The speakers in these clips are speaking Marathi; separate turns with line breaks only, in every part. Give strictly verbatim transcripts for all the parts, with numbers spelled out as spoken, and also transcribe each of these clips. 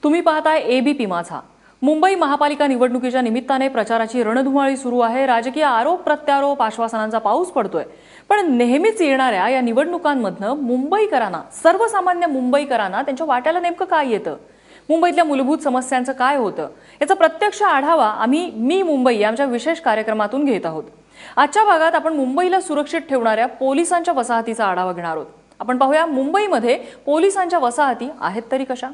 तुम्ही पाहताय एबीपी माझा। मुंबई महापालिका निवडणुकीच्या निमित्ताने प्रचाराची रणधुमाळी सुरू आहे। राजकीय आरोप प्रत्यारोप आश्वासनांचा पाऊस पडतोय। पण नेहमीच येणाऱ्या या निवडणुकांमधनं मुंबईकरांना, सर्वसामान्य मुंबईकरांना त्यांच्या वाट्याला नेमकं काय येतं, मुंबईतल्या मूलभूत समस्यांचं काय होतं, याचा प्रत्यक्ष आढावा आम्ही मी मुंबई आमच्या विशेष कार्यक्रमातून घेत आहोत। आजच्या भागात आपण मुंबईला सुरक्षित ठेवणाऱ्या पोलिसांच्या वसाहतीचा आढावा घेणार आहोत। आपण पाहूया मुंबईमध्ये पोलिसांच्या वसाहती आहेत तरी कशा।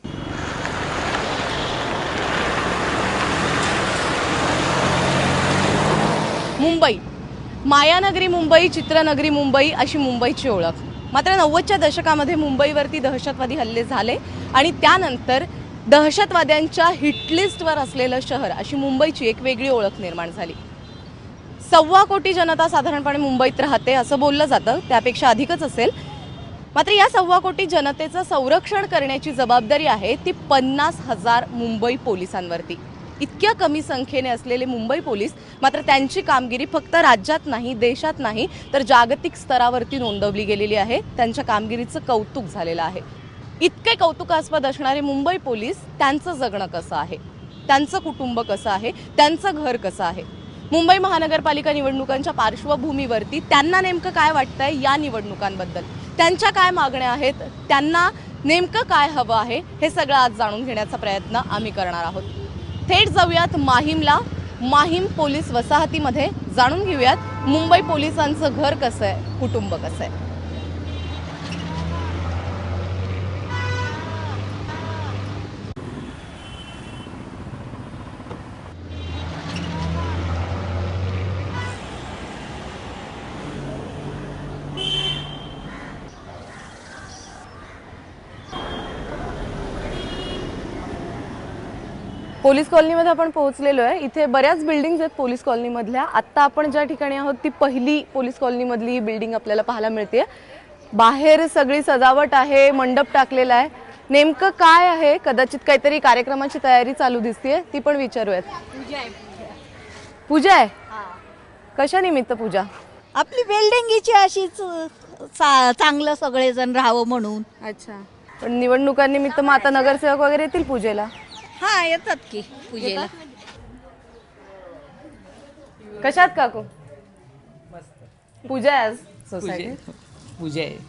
मुंबई मायानगरी मुंबई, चित्रनगरी मुंबई अशी मुंबईची ओळख। मात्र नव्वदच्या दशकामध्ये मुंबईवरती दहशतवादी हल्ले झाले आणि त्यानंतर दहशतवाद्यांच्या हिटलिस्टवर असलेलं शहर अशी मुंबईची एक वेगळी ओळख निर्माण झाली। सव्वा कोटी जनता साधारणपणे मुंबईत राहते असं बोललं जातं, त्यापेक्षा अधिकच असेल। मात्र या सव्वा कोटी जनतेचं संरक्षण करण्याची जबाबदारी आहे ती पन्नास हजार मुंबई पोलिसांवरती। इतक्या कमी संख्येने असलेले मुंबई पोलीस मात्र त्यांची कामगिरी फक्त राज्यात नाही, देशात नाही तर जागतिक स्तरावरती नोंदवली गेलेली आहे। त्यांच्या कामगिरीचं कौतुक झालेलं आहे। इतके कौतुकास्पद असणारे मुंबई पोलीस, त्यांचं जगणं कसं आहे, त्यांचं कुटुंब कसं आहे, त्यांचं घर कसं आहे, मुंबई महानगरपालिका निवडणुकांच्या पार्श्वभूमीवरती त्यांना नेमकं काय वाटतंय या निवडणुकांबद्दल, त्यांच्या काय मागण्या आहेत, त्यांना नेमकं काय हवं आहे, हे सगळं आज जाणून घेण्याचा प्रयत्न आम्ही करणार आहोत। थेट जाऊयात माहीमला। माहीम पोलीस वसाहतीमध्ये जाणून घेऊयात मुंबई पोलिसांचं घर कसं आहे, कुटुंब कसं आहे। पोलीस कॉलनीमध्ये आपण पोहोचलेलो आहे। इथे बऱ्याच बिल्डिंग्स आहेत पोलीस कॉलनीमधल्या। आत्ता आपण ज्या ठिकाणी आहोत ती पहिली पोलीस कॉलनीमधली बिल्डिंग आपल्याला पाहायला मिळते। बाहेर सगळी सजावट आहे, मंडप टाकलेला आहे। नेमकं काय आहे, कदाचित काहीतरी कार्यक्रमाची तयारी चालू दिसतेय, ती पण विचारूयात।
पूजा आहे
पूजा आहे? कशा निमित्त पूजा?
आपली बिल्डिंगीची अशीच चांगलं सगळेजण राहावं म्हणून।
अच्छा, पण निवडणुकांनिमित्त मग आता नगरसेवक वगैरे येतील पूजेला?
हा, येतात की पूजेला।
कशात काकू? पूजा आहे आज सोसायटी?
पूजा आहे।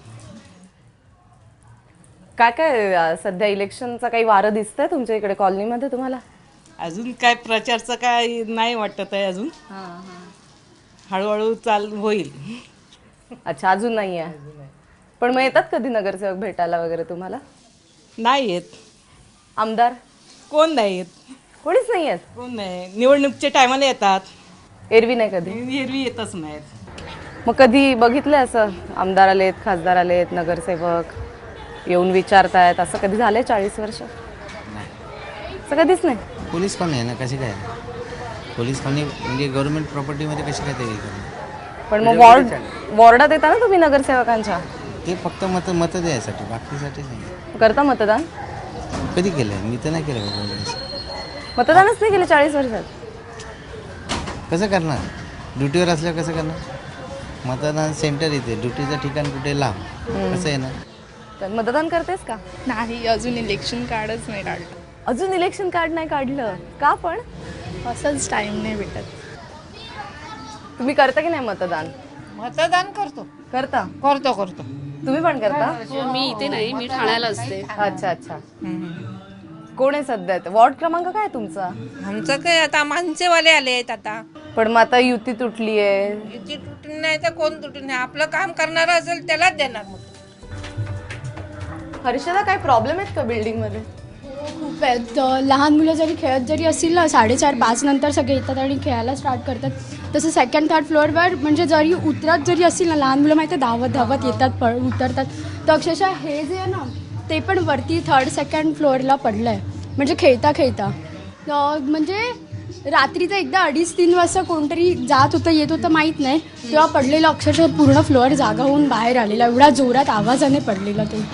काय काय सध्या इलेक्शनचा काही वारं दिसतंय तुमच्या इकडे कॉलनीमध्ये तुम्हाला?
अजून काय प्रचारचं काय नाही वाटत आहे अजून। हळूहळू चालू होईल।
अच्छा, अजून नाही आहे। पण मग येतात कधी नगरसेवक भेटायला वगैरे तुम्हाला?
नाही येत।
आमदार
कोण नाही येत?
कोणीच नाही येत?
कोण नाही, निवडणुकीच्या टायमाला येतात,
एरवी नाही कधी?
एरवी येतच नाहीत।
मग कधी बघितलंय असं आमदार आलेत, खासदार आलेत, नगरसेवक येऊन विचारतायत, असं कधी झालंय चाळीस वर्ष? असं कधीच नाही।
पोलीस कॉलनी आहे ना, कशी काय पोलीस कॉलनी म्हणजे गव्हर्नमेंट प्रॉपर्टीमध्ये कशी काय ते?
पण मग वॉर्ड वॉर्डात येता ना तुम्ही नगरसेवकांच्या?
ते फक्त मत मत द्यायसाठी, बाकीसाठी नाही।
करता मतदान?
कधी केलंय? मी तर नाही केलं बाबा।
मतदानच नाही केलं चाळीस वर्षात?
कसं करणार? ड्युटीवर असल्यावर कसं करणार? मतदान सेंटर इथे, ड्युटीचं ठिकाण कुठे लांब, कसं आहे ना?
तर मतदान करतेस का?
नाही, अजून इलेक्शन कार्डच नाही काढलं।
अजून इलेक्शन कार्ड नाही काढलं का? पण
असंच टाइम नाही भेटत।
तुम्ही करता की नाही मतदान?
मतदान करतो
करता?
करतो करतो
तुम्ही पण करता?
मी इथे नाही, मी ठाण्याला असते।
अच्छा अच्छा। कोण आहे सध्या? वॉर्ड क्रमांक काय आहे तुमचा?
आमचं काय आता माणसेवाले आले आहेत आता।
पण मग आता युती तुटली आहे।
युती तुटून नाही तर कोण तुटून नाही, आपलं काम करणार असेल त्यालाच देणार मग।
हर्षदा, काय प्रॉब्लेम आहेत का बिल्डिंग मध्ये?
खूप आहेत। लहान मुलं जरी खेळत जरी असतील ना, साडेचार पाच नंतर सगळे येतात आणि खेळायला स्टार्ट करतात। तसं सेकंड थर्ड फ्लोअरवर म्हणजे जरी उतरत जरी असतील ना लहान मुलं, माहिती आहे धावत धावत येतात, पळ उतरतात। तर अक्षरशः हे जे आहे ना ते पण वरती थर्ड सेकंड फ्लोअरला पडलं आहे, म्हणजे खेळता खेळता। म्हणजे रात्रीचं एकदा अडीच तीन वाजता कोणतरी जात होतं येत होतं माहीत नाही, तेव्हा पडलेलं अक्षरशः पूर्ण फ्लोअर जागा होऊन बाहेर आलेला, एवढा जोरात आवाजाने पडलेला तो।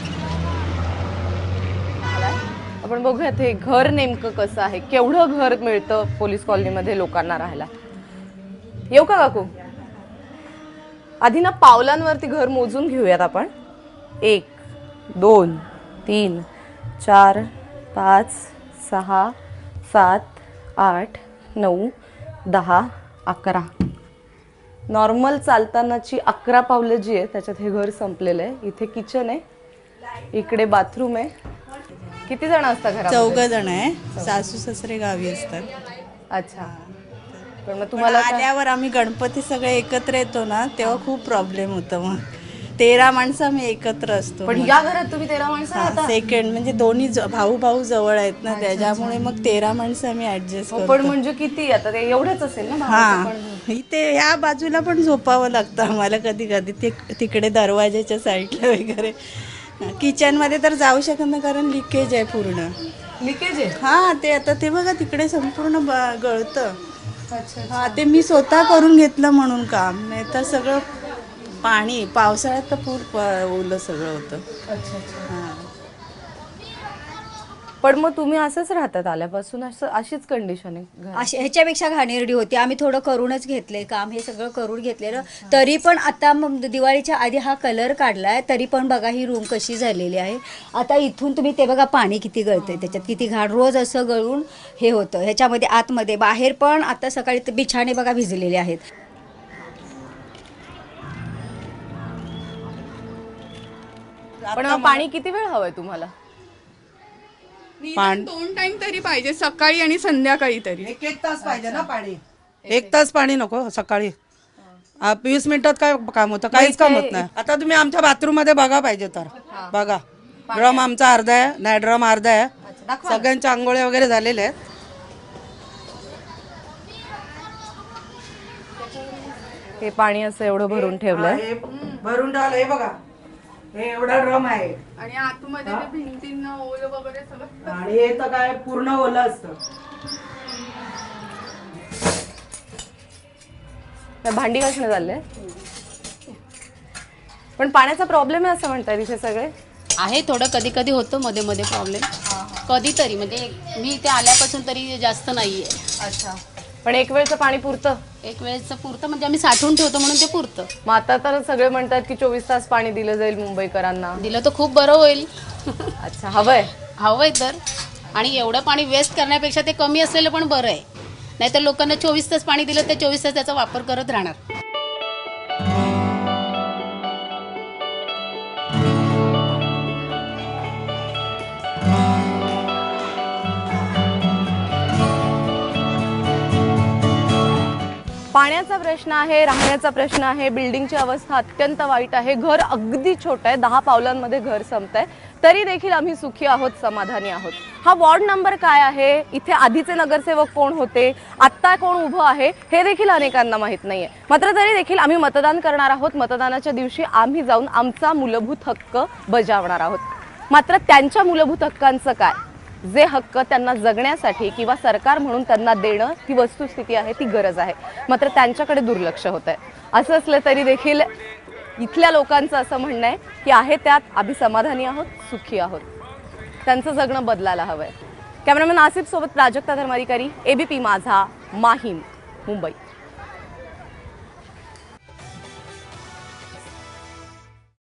आपण बघूयात हे घर नेमकं कसं आहे, केवढं घर मिळतं पोलीस कॉलनीमध्ये लोकांना राहायला। येऊ का काकू? आधी ना पावलांवरती घर मोजून घेऊयात आपण। एक, दोन, तीन, चार, पाच सहा सात आठ नऊ दहा अकरा. नॉर्मल चालतानाची अकरा पावलं जी आहे त्याच्यात हे घर संपलेलं आहे. इथे किचन आहे, इकडे बाथरूम आहे. किती जण असतात घरात?
चौघ जण आहे. सासू सासरे गावी असतात.
अच्छा. पण मग तुम्हाला काय-
आल्यावर आम्ही गणपती सगळे एकत्र येतो ना तेव्हा खूप प्रॉब्लेम होतं. मग तेरा माणसं आम्ही एकत्र असतो.
पण या घरात तुम्ही तेरा माणसं राहता?
सेकंड म्हणजे दोन्ही ज- भाऊ भाऊ जवळ आहेत ना, त्याच्यामुळे मग तेरा माणसं आम्ही ऍडजस्ट
हो,
करतो.
पण म्हणजे किती आता ते एवढंच असेल ना भावाचं
हा
पण?
इथे ह्या बाजूला पण झोपावं लागतं आम्हाला कधी कधी, ते तिकडे दरवाजाच्या साईडला वगैरे. किचनमध्ये तर जाऊ शकत नाही कारण लिकेज आहे पूर्ण.
लिकेज आहे?
हा ते आता ते बघा तिकडे संपूर्ण ब- गळतं. हा ते मी स्वतः करून घेतलं म्हणून काम, नाही तर सगळं पाणी पावसाळ्यात तर पूर प- ओलं सगळं होतं.
अच्छा अच्छा.
हा.
पण मग तुम्ही असंच राहतात आल्यापासून? असं अशीच कंडिशन आहे घरात?
अशी ह्याच्यापेक्षा घाणेरडी होती. आम्ही थोडं करूनच घेतलंय काम, हे सगळं करून घेतलेलं. तरी पण आता मग दिवाळीच्या आधी हा कलर काढलाय, तरी पण बघा ही रूम कशी झालेली आहे. आता इथून तुम्ही ते बघा पाणी किती गळतंय, त्याच्यात किती घाण रोज असं गळून हे होतं. ह्याच्यामध्ये आतमध्ये बाहेर पण आता सकाळी ते बिछाणे बघा भिजलेले आहेत.
पण मग पाणी किती वेळ हवंय तुम्हाला?
निदान दोन टाइम तरी पाहिजे, सकाळी आणि संध्याकाळी तरी.
एक एक तास पाहिजे ना पाणी. एक तास पाणी नको सकाळी. आ, वीस मिनिटात काय काम होतं? काहीच काम होत नाही. आता तुम्ही आमच्या बाथरूम मध्ये बघा पाहिजे तर बघा. ड्रम आमचा अर्धा आहे, नाही ड्रम अर्धा आहे. सगळ्यांच्या आंघोळ्या वगैरे झालेल्या आहेत.
हे पाणी असं एवढं भरून ठेवलंय.
हे भरून ठेवलं हे बघा. हे एवढा ड्रम आहे
आणि आतमध्ये ते भिंतींना ओलं वगैरे सगळं.
आणि हे तर काय पूर्ण ओलं असतं.
तर भांडी घासणं चाललंय. पण पाण्याचा प्रॉब्लेम आहे असं म्हणताय तिथे सगळे?
आहे थोडं कधी कधी होतं मध्ये मध्ये प्रॉब्लेम, कधीतरी म्हणजे मी इथे आल्यापासून तरी जास्त नाही आहे.
अच्छा. पण एक वेळचं पाणी पुरतं?
एक वेळेचं पुरतं म्हणजे आम्ही साठवून ठेवतो म्हणून ते पुरतं.
मग आता तर सगळे म्हणतात की चोवीस तास पाणी दिलं जाईल मुंबईकरांना.
दिलं तर खूप बरं होईल.
अच्छा. हवंय?
हवंय तर. आणि एवढं पाणी वेस्ट करण्यापेक्षा ते कमी असलेलं पण बरं आहे. नाहीतर लोकांना चोवीस तास पाणी दिलं ते चोवीस तास त्याचा वापर करत राहणार.
पाण्याचा प्रश्न आहे, राहण्याचा प्रश्न आहे, बिल्डिंगची अवस्था अत्यंत वाईट आहे. घर अगदी छोटं आहे, दहा पावलांमध्ये घर संपतंय. तरी देखील आम्ही सुखी आहोत, समाधानी आहोत. हा वॉर्ड नंबर काय आहे, इथे आधीचे नगरसेवक कोण होते, आत्ता कोण उभं आहे, हे देखील अनेकांना माहीत नाहीये. मात्र तरी देखील आम्ही मतदान करणार आहोत. मतदानाच्या दिवशी आम्ही जाऊन आमचा मूलभूत हक्क बजावणार आहोत. मात्र त्यांच्या मूलभूत हक्कांचं काय, जे हक्क त्यांना जगण्यासाठी किंवा सरकार म्हणून त्यांना देणं ही वस्तुस्थिती आहे, ती गरज आहे, मात्र त्यांच्याकडे दुर्लक्ष होत आहे. असं असलं तरी देखील इथल्या लोकांचं असं म्हणणं आहे की आहे त्यात आम्ही समाधानी आहोत, सुखी आहोत. त्यांचं जगणं बदलायला हवंय. कॅमेरामॅन आसिफ सोबत प्राजक्ता धर्माधिकारी, एबीपी माझा, माहीम, मुंबई.